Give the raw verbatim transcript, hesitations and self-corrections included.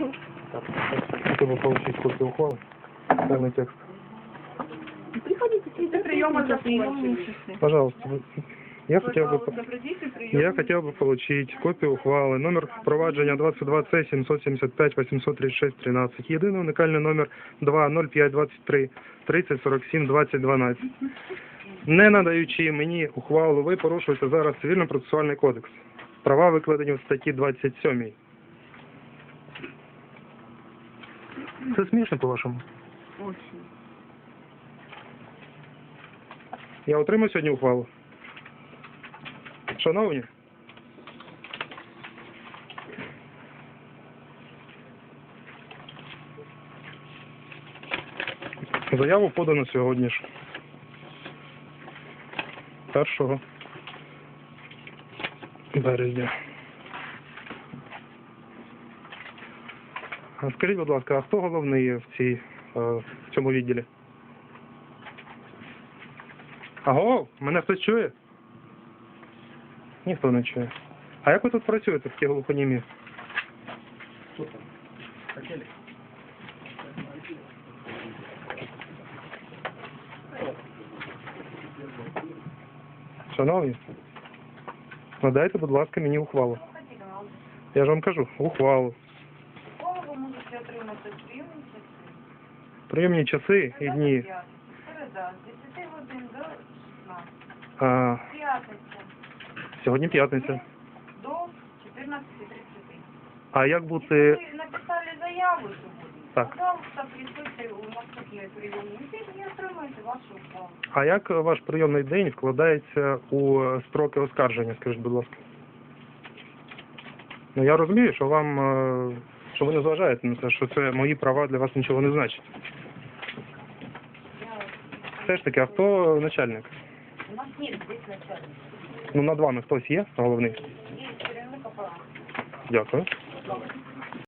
Так, хотел бы получить копию ухвалы, полный текст. Приходите, сидите, приема закончились. Пожалуйста, вы- я хотел бы, Пожалуйста, придите, прием. я хотел бы получить копію ухвали, номер впровадження двадцять два С сімсот сімдесят п'ять вісімсот тридцять шість тринадцять, єдиний уникальний номер два ноль п'ять двадцять три тридцять сорок сім двадцять дванадцять. Не надаючи мені ухвалу, ви порушуєте зараз Цивільно-процесуальний кодекс. Права викладені в статті двадцять сьомій. Це смішно, по-вашому? Очень. Я отримаю сьогодні ухвалу? Шановні? Заяву подано сьогодні ж. першого березня. А скажіть, будь ласка, а хто головний в, цій, е, в цьому відділі? Аго, мене хтось чує? Ніхто не чує. А як ви тут працюєте, в ті глухонімі? Шановні, надайте, будь ласка, мені ухвалу. Я ж вам кажу, ухвалу. Школу ви можете отримати в прийомні часи. Прийомні часи і дні. Середа, з десяти годин до шістнадцяти. А, П'ятниця сьогодні п'ятниця. до чотирнадцяти тридцять. А як Якщо бути... ви написали заяву сьогодні, Так. пожалуйста, присутьте у наступний прийомний день і отримайте вашу ухвалу. А як ваш прийомний день вкладається у строки оскарження, скажіть, будь ласка? Ну, я розумію, що вам, е, що ви не зважаєте на те, що це мої права для вас нічого не значить. Я... Все ж таки, а хто начальник? У нас нет здесь начальника. Ну, над вами хтось є головний? Є керівник апарату. Дякую. Добре.